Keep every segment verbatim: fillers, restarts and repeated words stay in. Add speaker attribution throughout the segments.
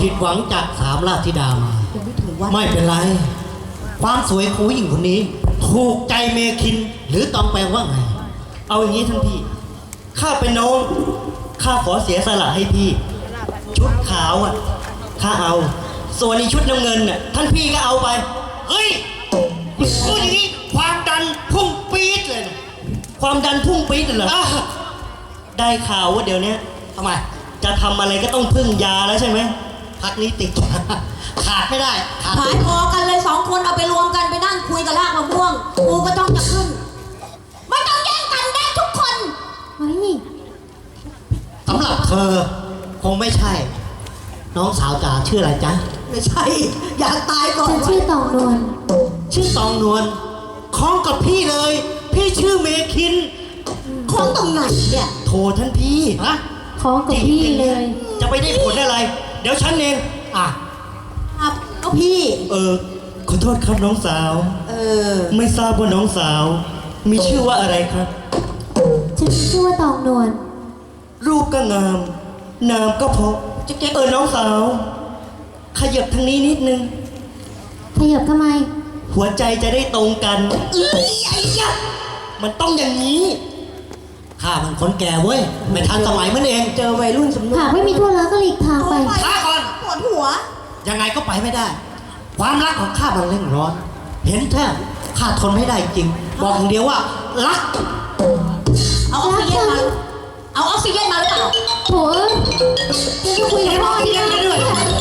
Speaker 1: ผิดหวังจากสามราชธิดามาไม่เป็นไรความสวยของผู้หญิงคนนี้ถูกใจเมคินหรือตองแปลว่าไงเอาอย่างนี้ท่านพี่ข้าเป็นน้องข้าขอเสียสละให้พี่ชุดขาวอ่ะข้าเอาส่วนในชุดน้ำเงินน่ะท่านพี่ก็เอาไปเฮ้ยพูดอย่างนี้ความดันพุ่งปี๊ดเลยนะความดันพุ่งปี๊ดเลยเหรอได้ข่าวว่าเดี๋ยวนี้ทำไมจะทำอะไรก็ต้องพึ่งยาแล้วใช่ไหมพักนี้ติดขาดไม่ได้ขาด
Speaker 2: หายพอกันเลยสองคนเอาไปรวมกันไปนั่งคุยกับลากมะม่วงกูก็ต้องจะขึ้นไม่ต้องแย่งกันได้ทุกคนเฮ้ย
Speaker 1: สำหรับเธอคงไม่ใช่น้องสาวจ๋าชื่ออะไรจ๊ะไม่ใช่อยากตายก่อน
Speaker 3: ฉันชื่อตองนวล
Speaker 1: ชื่อตองนวลคล้องกับพี่เลย พี่ชื่อเมคิน
Speaker 2: ของตรงไหนเนี่ย
Speaker 1: โทรท่านพี่ฮะ
Speaker 3: ของกับพี่เลย
Speaker 1: จะไปได้ผลอะไร เดี๋ยวฉันเองอ่ะ
Speaker 2: ครับก็พี่
Speaker 1: เออขอโทษครับน้องสาว
Speaker 2: เออ
Speaker 1: ไม่ทราบว่าน้องสาว มีชื่อว่าอะไรครับ
Speaker 3: ฉันชื่อว่าตองนวล
Speaker 1: รูปก็งาม นามก็เพราะ
Speaker 2: จะเก็บ
Speaker 1: เออน้องสาว ขยับทางนี้นิดนึง
Speaker 3: ขยับทำไม
Speaker 1: หัวใจจะได้ตรงกันเอ้ยไอ้ยะมันต้องอย่างนี้ข้ามันคนแก่เว้ยไม่ทันสมัยมันเอง
Speaker 2: เจอวัยรุ่นสำนึก
Speaker 3: หากไม่มีทั่วแล้วก็หลีกทางไป
Speaker 1: ช้าก่อน
Speaker 2: ปวดหัว
Speaker 1: ยังไงก็ไปไม่ได้ ความรักของข้ามันเร่งร้อน เห็นแท้ข้าทนไม่ได้จริง บอกอย่างเดียวว่ารัก
Speaker 2: เอาออกซิเจนมาเอาออกซิเจนมาหรือเปล่า
Speaker 3: โถ่เอ้ยฉันจะคุยกับพ่อที่นั่นด้วย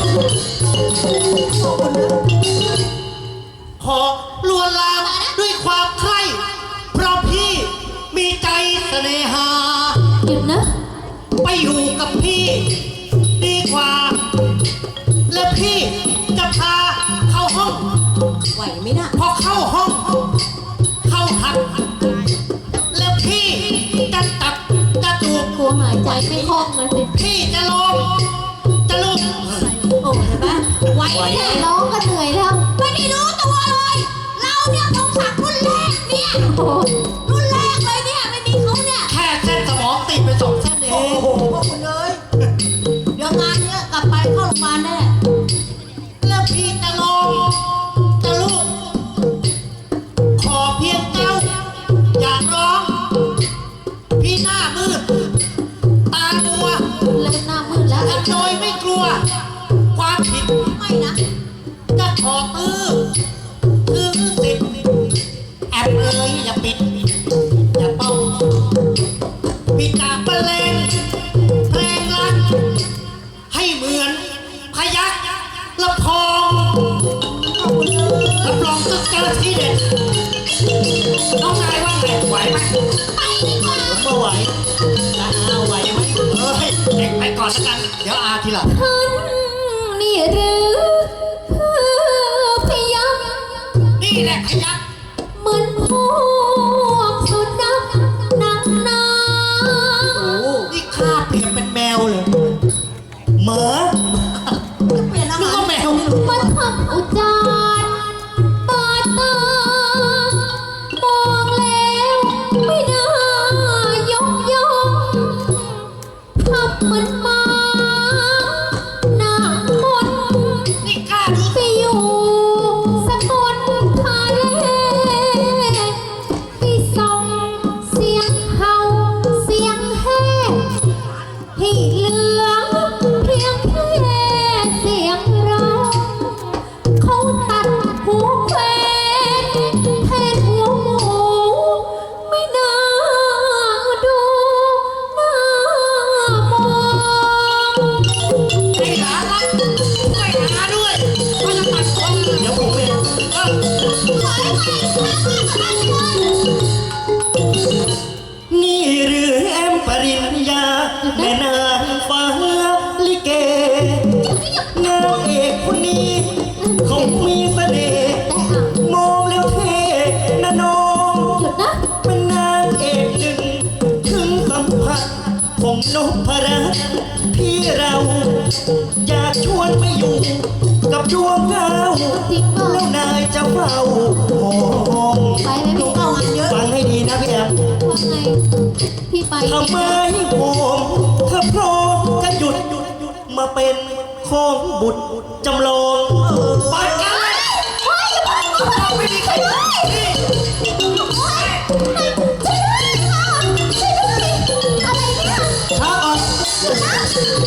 Speaker 1: ขอลวนลามด้วยความใคร่เพราะพี่มีใจเสน่หา
Speaker 3: หยุดนะ
Speaker 1: ไปอยู่กับพี่ดีกว่า และพี่จะพาเข้าห้อง
Speaker 2: ไหวไหมน่ะ
Speaker 1: พอเข้าห้อง เข้าหัดแล้วพี่จะตัดจะจูบ
Speaker 3: กลัวหายใจไม่คล่องเลยสิ
Speaker 1: พี่จะลงจะลุก
Speaker 2: โอ้เห็นปะไหวแน่
Speaker 3: ร้องก็เหนื่อยแล้ว
Speaker 2: ไม่ได้รู้ตัวเลย เราเนี่ยต้องสักรุ่นแรกเนี่ย
Speaker 3: โอ้โห
Speaker 2: รุ่นแรกเลยเนี่ยไม่มีเขาเนี่ย
Speaker 1: แค่เส้นสมองติดไปสองเส้นเอ
Speaker 2: โอ้
Speaker 1: ง
Speaker 2: โหพวกคุณเลยเดี๋ยวงานเนี้ยกลับไปเข้าโรงพยาบาลแน่
Speaker 1: แล้วพี่จะลงจะลุกขอเพียงเจ้าอย่าร้อง พี่หน้ามืดตามัว
Speaker 3: เริ่มหน้ามืดแล้ว
Speaker 1: ทำโดยไม่กลัว ความผิด
Speaker 2: ไม่นะ
Speaker 1: จะขอตื้อตื้อสิทธิ์แอบเอ่ยอย่าปิด อย่าเป้าปิดตาบรรเลงเพลงรักให้เหมือนพยักละพองรับรองต้องเจอที่เด็ดน้องนายว่าไงไหวไหม
Speaker 2: ไปดีกว่า
Speaker 1: ผมก็ไหวนะอาไหวไหมเฮ้ยเด็กไปก่อนแล้วกัน เดี๋ยวอาทีหลัง
Speaker 3: ท่านนี่หรือเพื่อพยัก
Speaker 1: นี่แหละพยัก
Speaker 3: เหมือนพวกสุนัขนักหนา
Speaker 1: โอ้นี่ข้าเปลี่ยนเป็นแมวเลยหมา
Speaker 2: เปลี่ยนอา
Speaker 1: นึก
Speaker 2: หาร
Speaker 1: ว่าแมว
Speaker 3: มาทำอุจารบาดตามองแล้วไม่น่ายกย่องทำเหมือนหมาหน้ามนต์
Speaker 1: นี่ข้าดู
Speaker 3: ไปอยู่สกลทาเลไปส่งเสียงเห่าเสียงแห่ให้เหลือเพียงแค่เสียงร้องเขาตัดหัวแขวนแทนหัวหมูไม่น่าดูน่ามอง
Speaker 1: ไอ้หลานรักช่วยหาด้วยเขาจะตัดคอเดี๋ยวผมเองเอ้านี่หรือแอมปริญญาแม่นางฟ้าลิเกนางเอกคนนี้เขามีเสน่ห์มองแล้วเท่นะน้อง
Speaker 3: หยุดนะ
Speaker 1: เป็นนางเอกหนึ่งถึงสัมผัสของนพรัตน์ที่เราอยากชวนไปอยู่กับดวงดาว
Speaker 3: จริงเปล่า
Speaker 1: แล้วนายจะเฝ้าห้อง
Speaker 3: ไปไหมพี่
Speaker 2: เอางานเยอะ
Speaker 1: ฟังให้ดีนะพี่แอม
Speaker 3: ว่าไง พี่ไป
Speaker 1: ทำไมผมถ้าพร้อมจะหยุดมาเป็นคของบุตรจำลองไปกันเลย
Speaker 2: เฮ้ยอย่ามาช่วยด้วยไม่มีใครช่วยช่วยด้วยค่ะช่วยด้วยอะไรเนี่ย
Speaker 1: ช้าก่อน
Speaker 2: นะ